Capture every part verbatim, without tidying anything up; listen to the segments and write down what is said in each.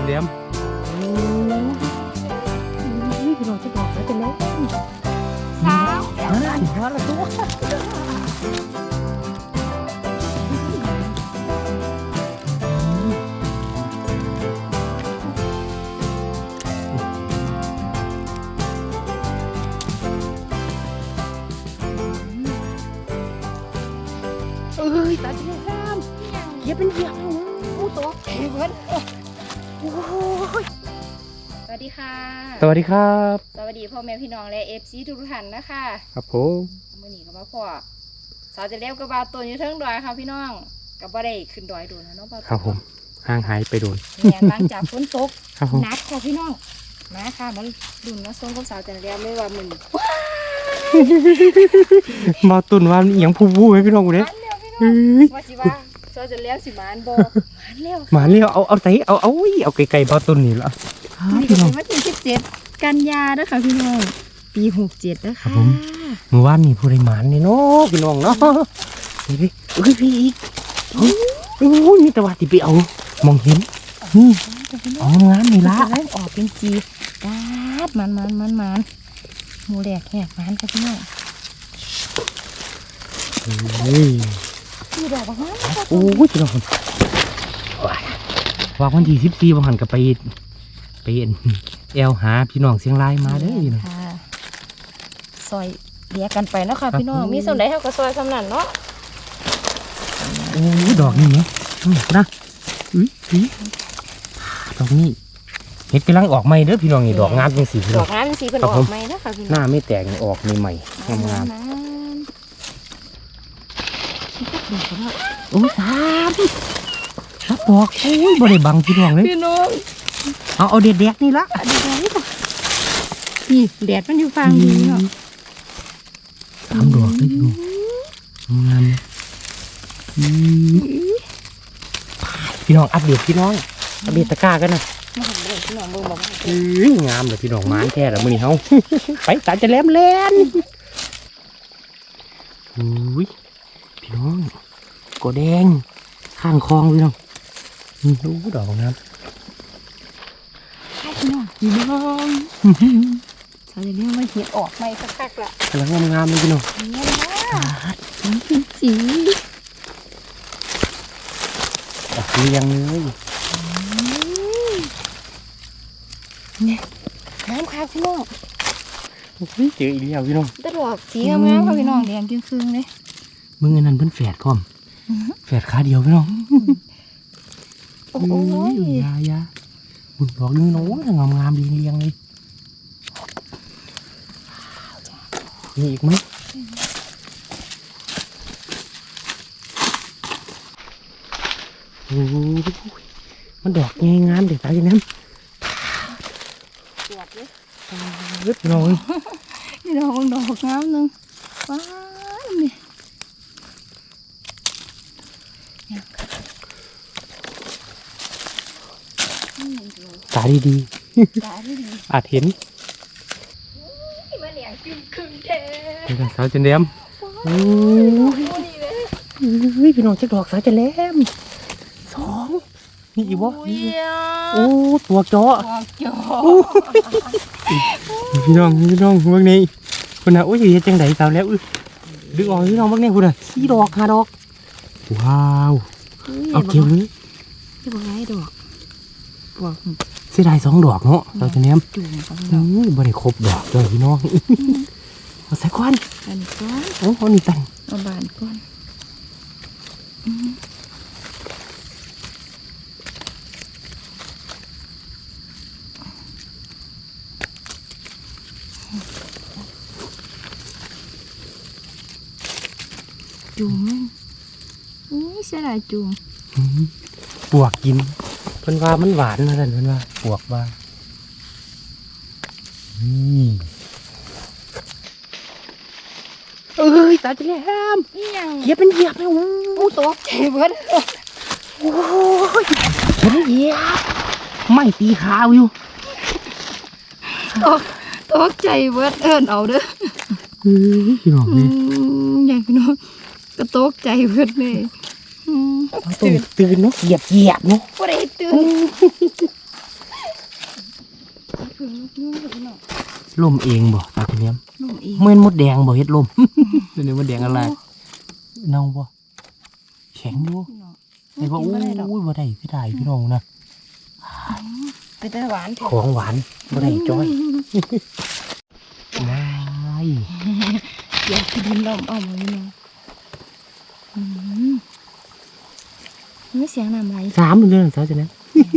เลี้ยมนี่พี่น้องจะบอกแล้วจะเล่นสาวนั่นพอละตัวเอ้ยตาจะเล่นเหยียบเป็นเหยียบอู้ตัวแข็งเว้ยโอ้ยสวัสดีค่ะสวัสดีครับสวัสดีพ่อแม่พี่น้องและเอฟซีทุกท่านนะคะครับผมมื่อนี้ก็มาพ่อสาวจะเลี้ยวกับบาตัวอยู่เทิงดอยค่ะพี่น้องกับบ่ได้ขึ้นดอยโดนนะน้องบาครับผมห่างหายไปโดนเนี่ยหลังจากฝนตกนักค่ะพี่น้องมาค่ะมันดุนมาส่งกับสาวจะเลี้ยวเลยว่ามึงมาตุนว่าอย่างผู้วู้ไหมพี่น้องกูเนี่ยว่าสิว่าสาวจะเลี้ยวสิมานบ่มานเลี้ยวมานเลี้ยวเอาเอาใส่เอาเอาเอาไก่ๆมาตุนนี่ละนี่ก็เป็นวันที่สิบเจ็ดกันยาเด้อค่ะพี่น้องปีหกเจ็ดนะคะเมื่อวานนี่ผู้ใดหมานนี่เนาะพี่น้องเนาะนี่พี่เอ้ยพี่อีกโอ้ยมีแต่ว่าที่ไปเอามองเห็นนี่เอางานนี่ละออกเป็นจีกาดมันมันมันมันหมูแดกแหกมันค่ะพี่น้องเฮ้ยมีดอกบ้างโอ้ยพี่น้องว่าวันที่สิบสี่วันหันกับไปไปแอลหาพี่น้องเสียงรายมาเด้อพี่น้องซอยเรียกกันไปเนาะค่ะพี่น้องมีส่วนไหนเท่ากับซอยสำนันเนาะโอ้ดอกนี่เนี่ยนะอุ้ยอุ้ยดอกนี่เห็ดกำลังออกใหม่เด้อพี่น้องนี่ดอกงามเป็นสีดอกงามเป็นสีเป็นออกใหม่นะคะพี่น้องหน้าไม่แตกออกใหม่งามงามโอ้สามรับดอกโอ้ยบริบังพี่น้องเลยพี่น้องเอาเอาเด็ดแดกนี่ละเด็ดแดกนี่ป่ะนี่แดดมันอยู่ฟังดีเนาะสามดอกเลยพี่น้องงามพี่น้องอัปเดตพี่น้องอัปเดตตะกร้ากันนะพี่น้องมึงบอกงามเลยพี่น้องม้านแท้แล้วมือนี่เขาไปตาจะแหลมแลนอุ้ยพี่น้องกอแดงข้างคลองพี่น้องนี่โอ้ดอกงามพี่น้องพี่น้องสาวจะเรียกว่าเห็ดออกไม่คักๆละกำลังงามๆเลยพี่น้องเนี่ยนะสีสีออกเรียงเลยเนี่ยน้ำค่ะพี่น้องโอ้ยเจออีกแล้วพี่น้องตลอดสีงามๆค่ะพี่น้องแดงจึ้งครึ่งเลยมึงอันนั้นเพิ่นแฝดพร้อมแฝดขาเดียวพี่น้องโอ้ยยายาบุญดอกนึงน้องงามงามเรียงเรียงเลยมีอีกไหมโอ้ยมันดอกงามงามเด็ดตายอย่างนั้นปวดเลยเล็บน้อยนี่ดอกดอกงามนึงว้าวนี่ตาดีดีตาดีดีอาจเห็นมาเหลียงจึงครึ่งเทเป็นสาวจันแหลมโอ้ยพี่น้องจะดอกสาวจันแหลมสองนี่อีกวะโอ้ตัวเจาะพี่น้องพี่น้องเมื่อนี้คุณน่ะโอ้ยจังไดสาวแล้วดึงออกพี่น้องเมื่อนี้คุณน่ะสี่ดอกห้าดอกว้าวเอาเกี่ยวนี้ที่บอกไงดอกบอกเสียดายสองดอกเนาะเราจะเนี้ยบ่ได้ครบดอกเลยพี่น้องเอาใส่ก้อนอันก้อนโอ้โหนี่ตันเอาบานก้อนจุ่มอุ้ยเสียดายจุ่มปวกกินเพิ่นว่ามันหวานนะท่านเพิ่นว่าปวกว่านี่เอ้ยตาจะแหลมเหยียบเป็นเหยียบเลยโอ้ตกใจเบิดโอ้ยเป็นเหยียบไม่ตีขาอยู่ตกตกใจเบิดเอิ้นเอาเด้อเฮ้ยพี่น้องนี่ใหญ่พี่น้องก็ตกใจเบิดเลยตื่นตื่นเนาะเหยียบเหยียบเนาะบ่ได้ตื่นลมเองบ่ตาทีเนี้ยลมเองเมื่อนมดแดงบ่เฮ็ดลม เดี๋ยวนี้มดแดงอะไรเน่าบ่แข็งอยู่ไอ้บ่อู้ยบ่ได้พี่ได้พี่น้องนะเป็นแต่หวานเถขอะองหวานบ่ได้จ้อยว้ายเดี๋ยวพี่ดินลมเอามาพี่น้องอืมนี่เสียงน้ำไหลสามเดือนสาวจะนั้น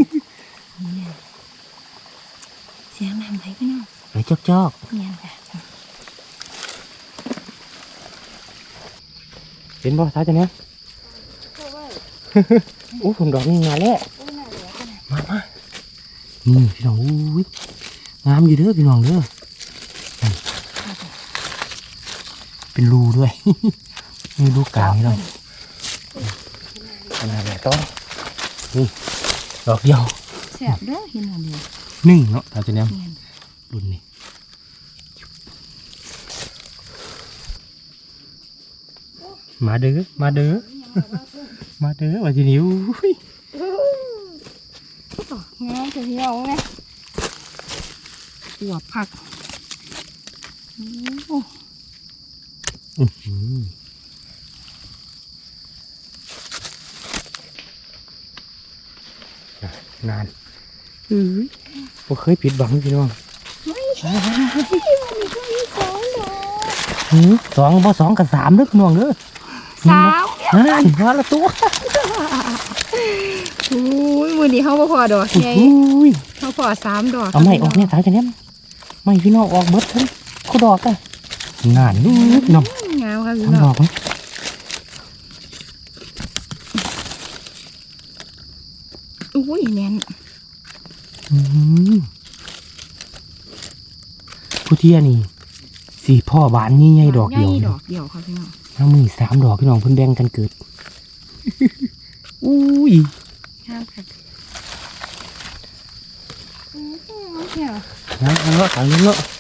เสียงน้ำไหลพี่น้องไหลจอกจอกเนี่ยค่ะเห็นบ่สาวจะนั้นโอ้ผมดอกนี่งานแล้วมามานี่พี่น้องอุ้ยงามอยู่เด้อพี่น้องเด้อเป็นรูด้วย มีรูกลางพี่น้องขนาดไหนต้องนี่ดอกเดียวแสบเด้อเห็นอันเดียวหนึ่งเนาะสาวจะนั้นเนี่ยรุ่นนี้มาเด้อมาเด้อมาเด้อว่าทีนี้อุ้ยงามจะเที่ยวไงปวดผักโอ้อื้อหือนานเอ้ยบ่เคยผิดหวังพี่น้องไม่ใช่วันนี้ก็มีสองดอกหือสองบ่สองกับสามเด้อพี่น้องเด้อสามนั่นว่าละตัวอุ้ยมือนี้เขาบ่พอดอกไงอุ้ยเขาพอสามดอกเอาไม่ออกเนี่ยสาวจะเนี่ยไม่พี่น้องออกเบิดทั้งเขาดอกอ่ะงานนี่พี่น้องงามค่ะพี่ทั้งน้ดออง กไหมอุ้ยแน่นอืมผู้เที่ยนี่สี่พ่อบานนี่ใหญ่ดอกเดียวใหญ่นี่ดอกเดียวค่ะพี่น้องน้ำมือสามดอกพี่น้องเพิ่นแบ่งกันเกิด อุ้ยงามค่ะอืมเที่ยวน้ำเนาะถังเนาะ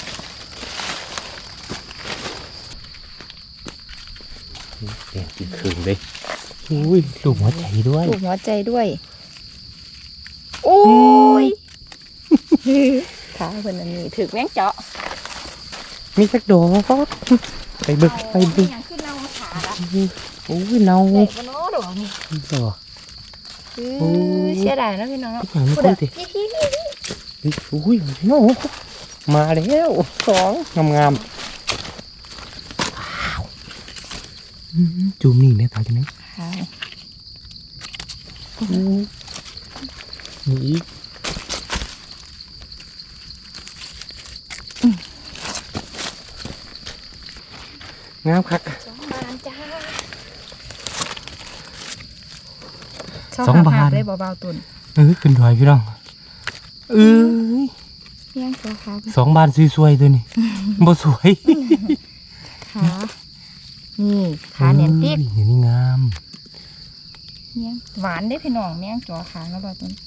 แดงกินคืนเลยอุ้ยลูกหัวใจด้วยถูกหัวใจด้วยโอ้ยขาเพิ่นอันนี้ถึกแมงเจาะมีสักดอกไปเบึกไปเบึกอย่างขึ้นเราขาละโอ้ยเนาเด็กบนโน้ดอกนี่ดอกเออเสียดายนะพี่น้องเนาะอย่างนี้พูดพูดอะสิพี่พี่พี่พี่เฮ้ยอุ้ยพี่น้องมาแล้วสองงามงามๆว้าวอืมจูมนี่แม่ตาจังไหนค่ะนี่อีกงามคักสองบานจ้าสองบาทได้เบาๆตุนเออขึ้นดอยพี่น้องเอ้ยเพียงตัวขาสองบานสวยๆตัวนี้ บ่สวยขานี่ขาเนียนติ๊กเออนี่งามเนี่ยหวานได้พี่น้องเมี่ยงจ่อขาแล้วเบาตุน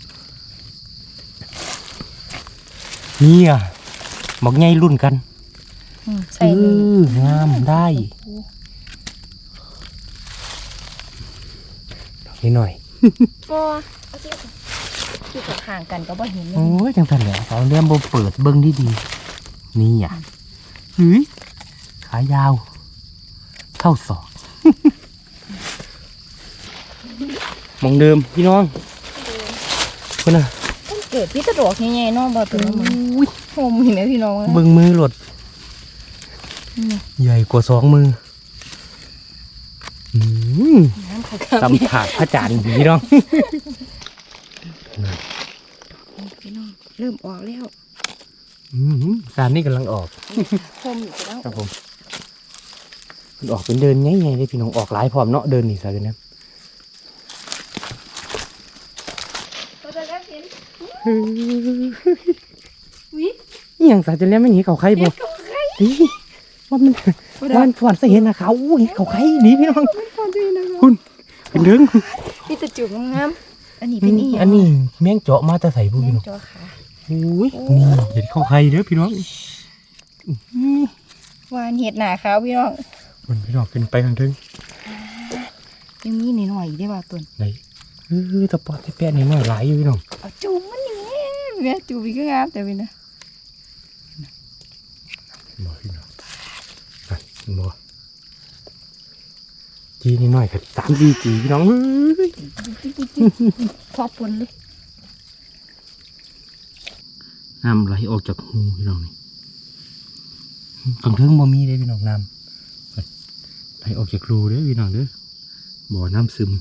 นี่อ่ะบอกไงรุ่นกันอืมเอใส่นี่องามได้ดอกนี้หน่อยก็เอาที่ที่กับห่างกันก็บ่เห็นเลยโอ้ยจังสันแหละสาวเลี้ยมบ่เปิดเบิ้งดีดีๆนี่อ่ะเฮ้ยขายาว เท่าศอก มองเดิมพี่น้องคนน่ะมันเกิดพี่ตะดอกใหญ่ๆเน้องเบาตุนมันอุ้ยโฮมเห็นไหมพี่น้องเบิ้งมือหลดนี่ใหญ่กว่าสองมืออืมน้ำขาสัมผัสพระจันทร์พี่น้องพี่น้องเริ่มออกแล้วอืมสารนี่กำลังออกโฮมอยู่แล้วครับผมมันออกเป็นเดินง่ายๆเลยพี่น้องออกหลายพร้อมเนาะเดินนี่สารเนี่ยก็จะได้เห็นวินี่อย่างสารจะเลี้ยงไม่หนีเขาใครบ่เขาใครนี่ว่ามันว่ามันฝันเห็นนะเขาอู้เห็นเขาใครดีพี่น้องมันฟอนด้วยนะคะคุณเป็นเรื่องพี่ตะจุกงามอันนี้เป็นอีอันนี้แมงเจาะมาแต่ใส่พวกแม่พี่น้องจอขาอุ้ยนี่เห็นเขาใครเด้อพี่น้องวานเห็ดหนาขาวพี่น้องมันพี่น้องขึ้นไปข้างถึงยังมีหน่อยๆอีกได้บ่าตุนไหนเออตะปอดตะแปะนี่น้อยหลายอยู่พี่น้องเอาจูบมันนี่แม่จูบอีกก็งามแต่พี่นะบ่จีนิดหน่อยครับสามสี่จีพี่น้องเอ้ยพอปนเลยน้ำไหลออกจากหูพี่น้องนี่กางเทิงบ่มีเลยพี่น้องน้ำไหลออกจากรูเด้อพี่น้องเด้อบ่อน้ำซึม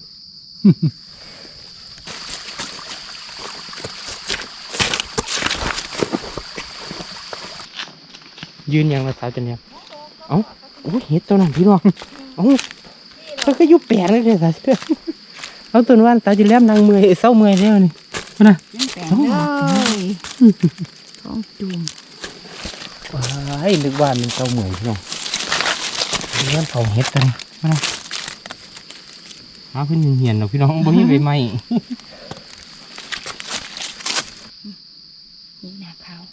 ยืนยังมาสาวจันเนี่ยเอ้าโอ้ยเห็ดตัวนั้นพี่น้องเอ้าเขาก็อยุบแปลงเลยสาวจันเอาตัวนั้นสาวจันแหลมนางเมื่อยเศร้าเมื่อยแล้วนี่นะยังแปลงเลยท้องจุ่มว้ายนึกว่ามันเศร้าเมื่อยพี่น้องเรื่องเขาเห็ดกันมานะหาเพิ่นเหียนๆหรอกพี่น้องบ่มีใบไม้นี่หน้าขาว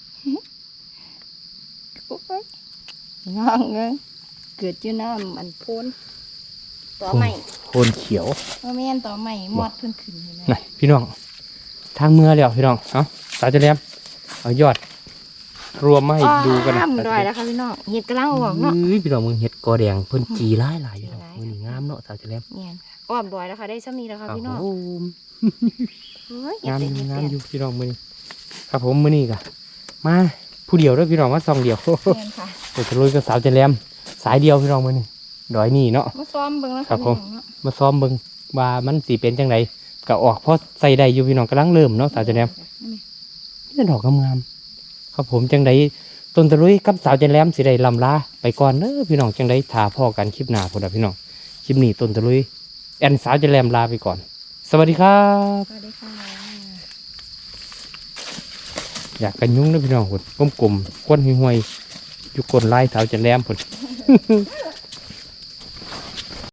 โอ้ยงองเงยเกิดอยู่น้ำมันพ่นต่อใหม่โคนเขียวว่าแม่นต่อใหม่มอดเพิ่นขึ้นเลยนะนะพี่น้องทางเมื่อแล้วพี่น้องเอาสาวจันแหลมเอายอด รวมมาให้ดูกันนะอ้ามดอยแล้วค่ะพี่น้องเห็ดกำลังออกเนาะอุ้ยพี่น้องมึงเห็ดกอแดงเพิ่นจีหลายหลายอยู่เนาะมื้อนี้งามเนาะสาวจันแหลมเนี่ยอ้อมดอยแล้วค่ะได้ซ้ำนี้แล้วค่ะพี่น้องโอ้โหเฮ้ยงามเห็ดเต็มงามเห็ดอยู่พี่น้องมื้อนี้ครับผมมื้อนี้ก็มาผู้เดียวเด้อพี่น้องมาซองเดียวเต็มค่ะเดี๋ยวจะลุยกับสาวจันแหลมสายเดียวพี่น้องมื้อนี้ดอยนี่เนาะมาซ้อมเบิ่งแล้วครัค่ะบพี่ผมน้องเนาะมาซ้อมเบิ่งว่ามันสิเป็นจังไดก็ออกพอใส่ได้อยู่พี่น้องกำลังเริ่มเนาะสาวจันแหลมนี่ดอกงามๆครับผมจังไดต้นตะลุยกับสาวจันแหลมสิได้ลำลาไปก่อนเด้อพี่น้องจังไดถ่าพ่อกันคลิปหน้าพุ่นน่ะพี่น้องคลิปนี้ต้นตะลุยแอนสาวจันแหลมลาไปก่อน สวัสดีครับสวัสดีค่ะอยากกันยุ่งนะพี่น้องพุ่นกลมๆก้นห่วยๆอยู่ก้นลายสาวจันแหลมพุ่น